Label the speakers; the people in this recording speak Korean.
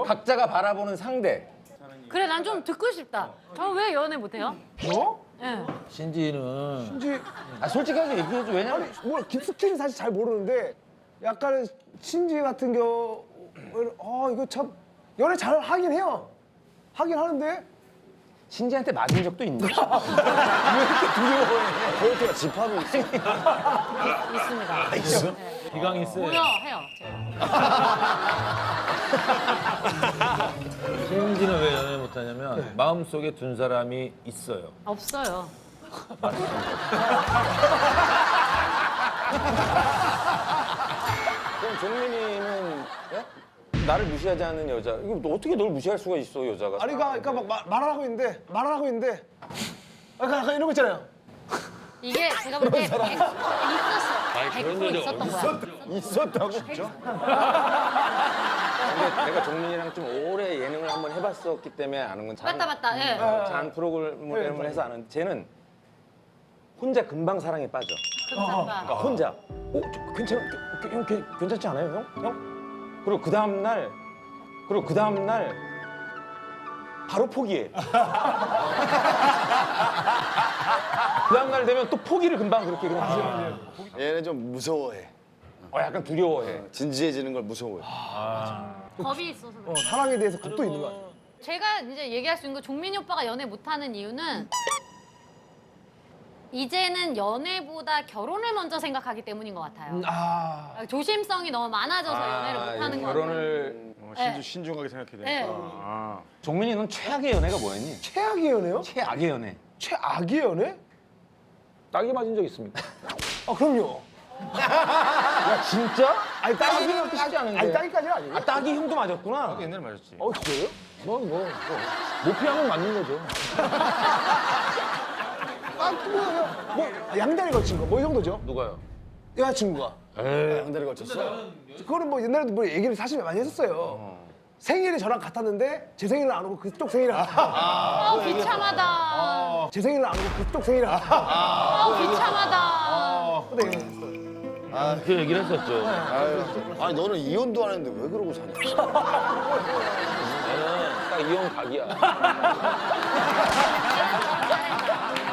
Speaker 1: 각자가 바라보는 상대.
Speaker 2: 그래 난 좀 듣고 싶다. 저 왜 연애 못해요?
Speaker 3: 뭐?
Speaker 2: 예.
Speaker 4: 신지는
Speaker 3: 신지
Speaker 1: 아 솔직하게 얘기해줘. 왜냐면
Speaker 3: 뭐 깊숙이는 사실 잘 모르는데 약간 신지 같은 경우는 이거 참 연애 잘 하긴 해요. 하긴 하는데
Speaker 1: 신지한테 맞은 적도 있는데.
Speaker 5: 코요태가 집합이 있어.
Speaker 2: 있습니다.
Speaker 5: 있어?
Speaker 2: 네.
Speaker 4: 기강이 세.
Speaker 2: 모여해요.
Speaker 4: 신지는 왜 연애 못하냐면 마음속에 둔 사람이 있어요.
Speaker 2: 없어요.
Speaker 1: 그럼 종민이는 나를 무시하지 않는 여자. 이거 너 어떻게 널 무시할 수가 있어 여자가?
Speaker 3: 아니 그러니까 막 말을 하고 있는데 약간 이런 거 있잖아요.
Speaker 2: 이게 제가 볼 때 있었어. 100% 있었던 거야.
Speaker 5: 있었다고? 진짜?
Speaker 1: 근데 내가 종민이랑 좀 오래 예능을 한번 해봤었기 때문에 아는 건
Speaker 2: 맞다. 예.
Speaker 1: 잔 프로그램을 해서 아는 쟤는 혼자 금방 사랑에 빠져. 그러니까 혼자. 저 괜찮아? 형 괜찮지 않아요, 형? 그리고 그 다음 날 바로 포기해. 그 다음 날 되면 또 포기를 금방 그렇게 그냥.
Speaker 5: 얘는 좀 무서워해.
Speaker 1: 약간 두려워해.
Speaker 5: 진지해지는 걸 무서워해.
Speaker 2: 겁이 있어서. 그래.
Speaker 3: 사랑에 대해서 겁도 있는 거 같아요.
Speaker 2: 제가 이제 얘기할 수 있는 거 종민이 오빠가 연애 못하는 이유는 이제는 연애보다 결혼을 먼저 생각하기 때문인 것 같아요. 조심성이 너무 많아져서 연애를 못하는 거 같아요.
Speaker 1: 결혼을
Speaker 2: 네.
Speaker 5: 신중하게 생각해야 되니까.
Speaker 2: 네.
Speaker 1: 종민이 넌 최악의 연애가 뭐였니?
Speaker 3: 최악의 연애요?
Speaker 1: 최악의 연애.
Speaker 3: 최악의 연애?
Speaker 1: 딱이 맞은 적 있습니까?
Speaker 3: 그럼요.
Speaker 1: 야 진짜?
Speaker 3: 아니
Speaker 1: 딱이는 그렇게 쉽지 않은데.
Speaker 3: 아니 따기까지는 아니에요.
Speaker 1: 딱이 형도 맞았구나.
Speaker 4: 옛날에 맞았지.
Speaker 3: 진짜요?
Speaker 1: 넌뭐 모피하면 맞는 거죠.
Speaker 3: 뭐 양다리 걸친 거 뭐 이 정도죠?
Speaker 1: 누가요?
Speaker 3: 여자친구가.
Speaker 5: 양다리 걸쳤어?
Speaker 3: 그거는 뭐 옛날에도 뭐 얘기를 사실 많이 했었어요. 생일이 저랑 같았는데 제 생일은 안 오고 그쪽 생일을
Speaker 2: 비참하다.
Speaker 3: 제 생일은 안 오고 그쪽 생일을
Speaker 2: 비참하다.
Speaker 3: 근데
Speaker 4: 그 얘기를 했었죠.
Speaker 5: 아니 너는 이혼도 안 했는데 왜 그러고 사냐?
Speaker 1: 나는 딱 이혼 각이야.